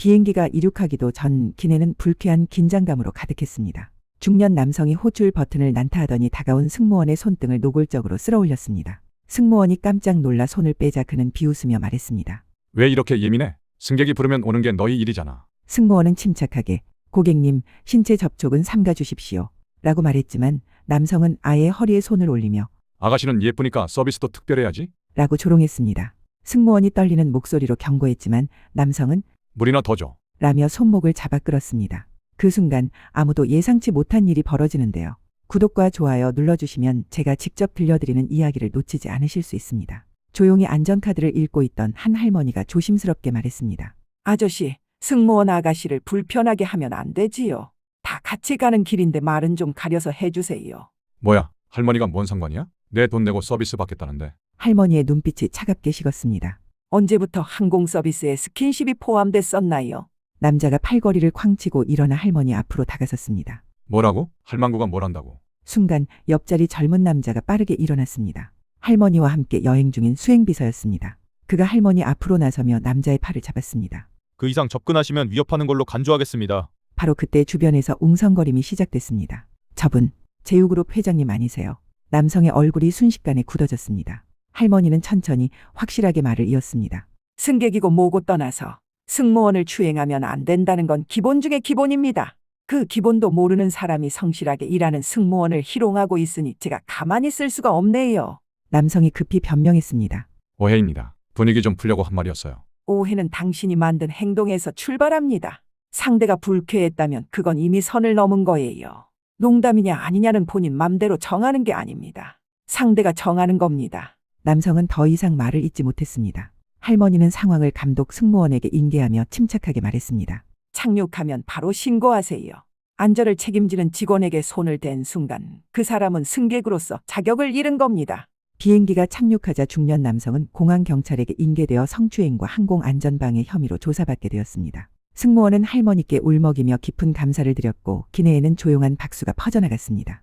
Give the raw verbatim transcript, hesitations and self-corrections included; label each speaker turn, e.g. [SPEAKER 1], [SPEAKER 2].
[SPEAKER 1] 비행기가 이륙하기도 전 기내는 불쾌한 긴장감으로 가득했습니다. 중년 남성이 호출 버튼을 난타하더니 다가온 승무원의 손등을 노골적으로 쓸어올렸습니다. 승무원이 깜짝 놀라 손을 빼자 그는 비웃으며 말했습니다.
[SPEAKER 2] 왜 이렇게 예민해? 승객이 부르면 오는 게 너희 일이잖아.
[SPEAKER 1] 승무원은 침착하게 고객님, 신체 접촉은 삼가 주십시오 라고 말했지만 남성은 아예 허리에 손을 올리며
[SPEAKER 2] 아가씨는 예쁘니까 서비스도 특별해야지.
[SPEAKER 1] 라고 조롱했습니다. 승무원이 떨리는 목소리로 경고했지만 남성은
[SPEAKER 2] 물이나 더 줘.
[SPEAKER 1] 라며 손목을 잡아 끌었습니다. 그 순간 아무도 예상치 못한 일이 벌어지는데요. 구독과 좋아요 눌러주시면 제가 직접 들려드리는 이야기를 놓치지 않으실 수 있습니다. 조용히 안전카드를 읽고 있던 한 할머니가 조심스럽게 말했습니다.
[SPEAKER 3] 아저씨, 승무원 아가씨를 불편하게 하면 안 되지요. 다 같이 가는 길인데 말은 좀 가려서 해주세요.
[SPEAKER 2] 뭐야? 할머니가 뭔 상관이야? 내 돈 내고 서비스 받겠다는데.
[SPEAKER 1] 할머니의 눈빛이 차갑게 식었습니다.
[SPEAKER 3] 언제부터 항공 서비스에 스킨십이 포함됐었나요?
[SPEAKER 1] 남자가 팔걸이를 쾅 치고 일어나 할머니 앞으로 다가섰습니다.
[SPEAKER 2] 뭐라고? 할망구가 뭘 한다고?
[SPEAKER 1] 순간 옆자리 젊은 남자가 빠르게 일어났습니다. 할머니와 함께 여행 중인 수행비서였습니다. 그가 할머니 앞으로 나서며 남자의 팔을 잡았습니다.
[SPEAKER 4] 그 이상 접근하시면 위협하는 걸로 간주하겠습니다.
[SPEAKER 1] 바로 그때 주변에서 웅성거림이 시작됐습니다. 저분, 제휴그룹 회장님 아니세요? 남성의 얼굴이 순식간에 굳어졌습니다. 할머니는 천천히 확실하게 말을 이었습니다.
[SPEAKER 3] 승객이고 뭐고 떠나서 승무원을 추행하면 안 된다는 건 기본 중의 기본입니다. 그 기본도 모르는 사람이 성실하게 일하는 승무원을 희롱하고 있으니 제가 가만히 있을 수가 없네요.
[SPEAKER 1] 남성이 급히 변명했습니다.
[SPEAKER 2] 오해입니다. 분위기 좀 풀려고 한 말이었어요.
[SPEAKER 3] 오해는 당신이 만든 행동에서 출발합니다. 상대가 불쾌했다면 그건 이미 선을 넘은 거예요. 농담이냐 아니냐는 본인 맘대로 정하는 게 아닙니다. 상대가 정하는 겁니다.
[SPEAKER 1] 남성은 더 이상 말을 잇지 못했습니다. 할머니는 상황을 감독 승무원에게 인계하며 침착하게 말했습니다.
[SPEAKER 3] 착륙하면 바로 신고하세요. 안전을 책임지는 직원에게 손을 댄 순간 그 사람은 승객으로서 자격을 잃은 겁니다.
[SPEAKER 1] 비행기가 착륙하자 중년 남성은 공항 경찰에게 인계되어 성추행과 항공안전방해 혐의로 조사받게 되었습니다. 승무원은 할머니께 울먹이며 깊은 감사를 드렸고 기내에는 조용한 박수가 퍼져나갔습니다.